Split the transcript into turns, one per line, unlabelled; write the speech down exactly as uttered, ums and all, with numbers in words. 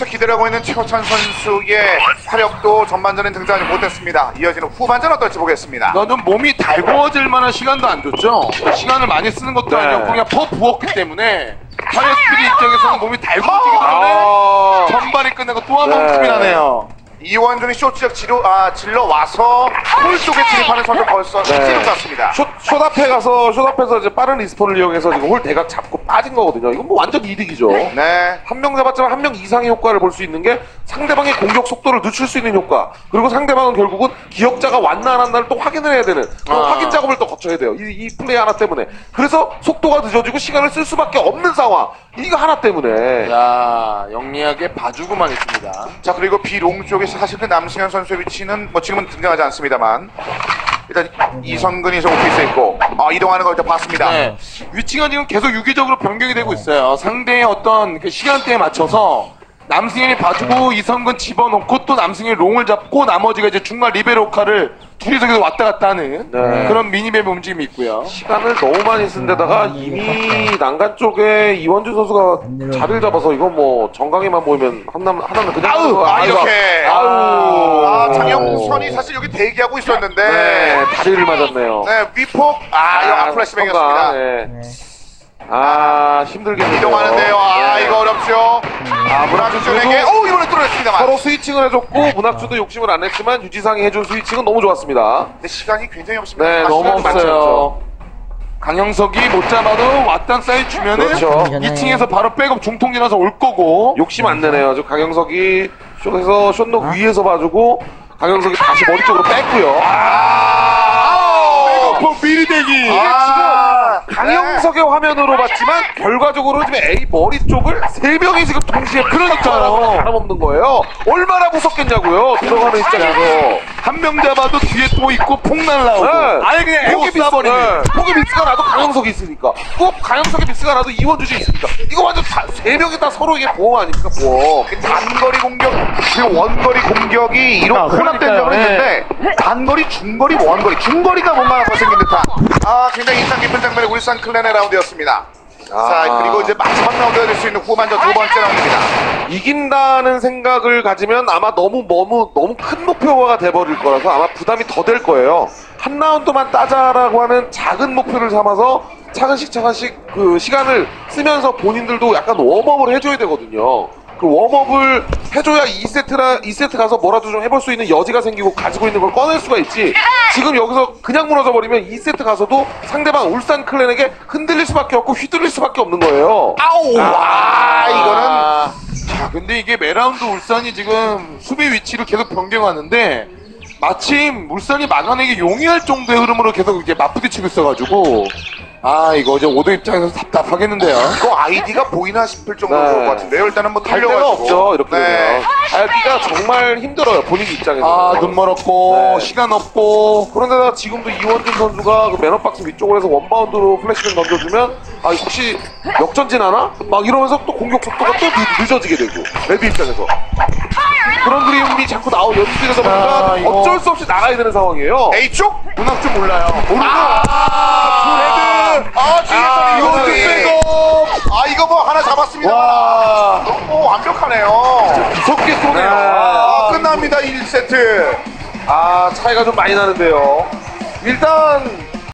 위에서 기대하고 있는 최호찬 선수의 화력도 전반전에 등장하지 못했습니다. 이어지는 후반전 어떨지 보겠습니다.
나는 몸이 달궈질 만한 시간도 안 줬죠. 시간을 많이 쓰는 것도
네.
아니었고 그냥 퍼 부었기 때문에 파이어 스피드 입장에서는 몸이 달궈지기 때문에
아.
전반이 끝나고 또 한 번
네.
틈이 나네요.
이원준이 쇼트적 지로, 아, 질러 와서 홀 쪽에 진입하는 선수 벌써
네.
시즌 같습니다.
숏, 숏 앞에 가서 숏 앞에서 이제 빠른 리스폰을 이용해서 지금 홀 대각 잡고 빠진 거거든요. 이건 뭐 완전 이득이죠.
네.
한 명 잡았지만 한 명 이상의 효과를 볼 수 있는 게 상대방의 공격 속도를 늦출 수 있는 효과. 그리고 상대방은 결국은 기억자가 왔나 안 왔나를 또 확인을 해야 되는 그
아.
확인 작업을 또 거쳐야 돼요. 이, 이 플레이 하나 때문에. 그래서 속도가 늦어지고 시간을 쓸 수밖에 없는 상황. 이거 하나 때문에.
자, 영리하게 봐주고만 있습니다.
자, 그리고 비롱 쪽에서 사실 그 남승현 선수의 위치는 뭐 지금은 등장하지 않습니다만 일단 이성근이 저 오피스에 있고 아, 이동하는 걸 일단 봤습니다.
네. 위치가 지금 계속 유기적으로 변경이 되고 있어요. 상대의 어떤 그 시간대에 맞춰서 남승현이 봐주고 이성근 집어넣고 또 남승현이 롱을 잡고 나머지가 이제 중간 리베로 역할을 둘이서 계속 왔다 갔다 하는
네.
그런 미니맵 움직임이 있고요.
시간을 너무 많이 쓴 데다가 이미 난간 쪽에 이원준 선수가 자리를 잡아서 이거 뭐 정강이만 보이면 하나, 하나는 그냥
아우, 아, 이렇게.
아우.
아, 장영선이 사실 여기 대기하고 있었는데
네, 다리를 맞았네요.
네, 위폭 아, 이거 아플래시뱅이었습니다.
선가, 네. 아, 힘들겠네요.
이동하는데요. 아,
네.
이거 어렵죠. 아, 문학준에게 오, 이번에 뚫어냈습니다만.
서로 스위칭을 해줬고 문학주도 욕심을 안 했지만 유지상이 해준 스위칭은 너무 좋았습니다.
근데 시간이 굉장히 없습니다.
네,
아,
너무
시간이 많지 않죠.
없어요. 강영석이 못 잡아도 왔단 사이 주면은
그렇죠.
이 층에서 바로 백업 중통지나서 올 거고.
욕심 안 내네요. 저 강영석이 숏에서 숏록 위에서 봐주고 강영석이 다시 머리 쪽으로 뺐고요.
아,
백업 미리 대기.
아,
강영석의 화면으로 봤지만 결과적으로 지금 A 머리 쪽을 세 명이 지금 동시에
그러니까요.
알아먹는 거예요. 얼마나 무섭겠냐고요. 들어가는 입장에서.
한 명 잡아도 뒤에 또 있고 폭 날라오고.
네.
아예 그냥 에고
폭이
쏴버리네.
네. 폭이 미스가 나도 강영석이 있으니까. 꼭 강영석이 미스가 나도 이원주이 있으니까. 이거 완전 다, 세 명이 다 서로에게 보험 아닙니까, 보험.
그 단거리 공격, 그 원거리 공격이 이런
아,
혼합된
그러니까요.
적은 있는데 단거리, 중거리, 원거리, 중거리가 뭔가 더 생긴 듯한 아, 굉장히 인상 깊은 장면의 울산 클랜의 라운드였습니다.
아.
자, 그리고 이제 마지막 라운드가 될 수 있는 후반전 두 번째 라운드입니다.
이긴다는 생각을 가지면 아마 너무 너무 너무 큰 목표가 돼버릴 거라서 아마 부담이 더 될 거예요. 한 라운드만 따자라고 하는 작은 목표를 삼아서 차근씩 차근씩 그 시간을 쓰면서 본인들도 약간 웜업을 해줘야 되거든요. 그 웜업을 해줘야 이 세트라 이 세트 가서 뭐라도 좀 해볼 수 있는 여지가 생기고 가지고 있는 걸 꺼낼 수가 있지. 지금 여기서 그냥 무너져 버리면 이 세트 가서도 상대방 울산 클랜에게 흔들릴 수밖에 없고 휘둘릴 수밖에 없는 거예요.
아우, 와, 이거는
자, 근데 이게 매라운드 울산이 지금 수비 위치를 계속 변경하는데 마침 울산이 막아내기 용이할 정도의 흐름으로 계속 이제 맞부딪히고 있어가지고 아, 이거 이제 오도 입장에서 답답하겠는데요.
이거 아이디가 보이나 싶을 정도로
네.
좋을 것 같은데요. 일단은 뭐
갈 데가
달려가지고.
없죠. 이렇게
네.
되면 알기가 정말 힘들어요. 본인 입장에서.
아, 눈 멀었고
네.
시간 없고.
그런데다 지금도 이원준 선수가 그 맨업박스 위쪽으로 해서 원바운드로 플래시를 던져주면 아 혹시 역전진 하나? 막 이러면서 또 공격 속도가 또 늦, 늦어지게 되고 레드 입장에서 그런 그림이 자꾸 나오 연출되다 보니까
아, 이거-
어쩔 수 없이 나가야 되는 상황이에요.
A 쪽?
문학 좀 몰라요.
모르고
아, 레드! 아, 지금
아,
이거
이거
백업! 아, 이거 뭐 하나 잡았습니다.
와
너무 완벽하네요.
무섭게 쏘네요.
아, 끝납니다. 일 세트.
아 차이가 좀 많이 나는데요. 일단